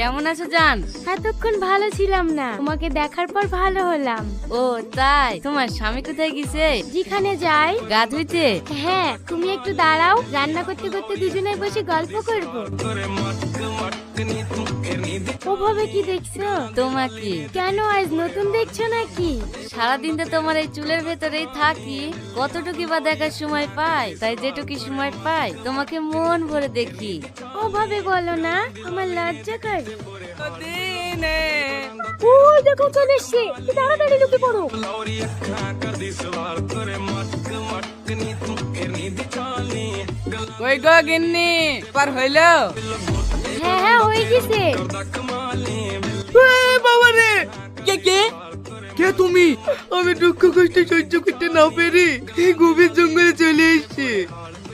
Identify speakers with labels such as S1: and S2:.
S1: কেমন আছো জান?
S2: এতক্ষণ ভালো ছিলাম না, তোমাকে দেখার পর ভালো হলাম।
S1: ও তাই, তোমার স্বামী কোথায় গেছে?
S2: যেখানে যাই।
S1: গা ধুইতে?
S2: হ্যাঁ, তুমি একটু দাঁড়াও, রান্না করতে করতে দুজনে বসে গল্প করব। ওভাবে কি দেখছো?
S1: তোমাকে।
S2: কেন আজ নতুন দেখছো নাকি?
S1: সারাদিন তো তোমার এই চুলের ভেতরেই থাকি, কতটুকু বা দেখার সময় পাই, তাই যেটুকু সময় পাই তোমাকে মন ভরে দেখি।
S2: ওভাবে বলো না, আমার লজ্জা করে।
S1: দিনে
S2: ওই দেখো চলে এসছে, তাড়াতাড়ি ঢুকে পড়ো।
S1: কই গো গিন্নি, পার হইলো?
S2: হ্যাঁ হ্যাঁ, হয়ে গেছে।
S3: বাবা রে,
S1: কে কে?
S3: কে তুমি? আমি দুঃখ কষ্ট সহ্য করতে না পেরে এই গভীর জঙ্গলে চলে এসেছি।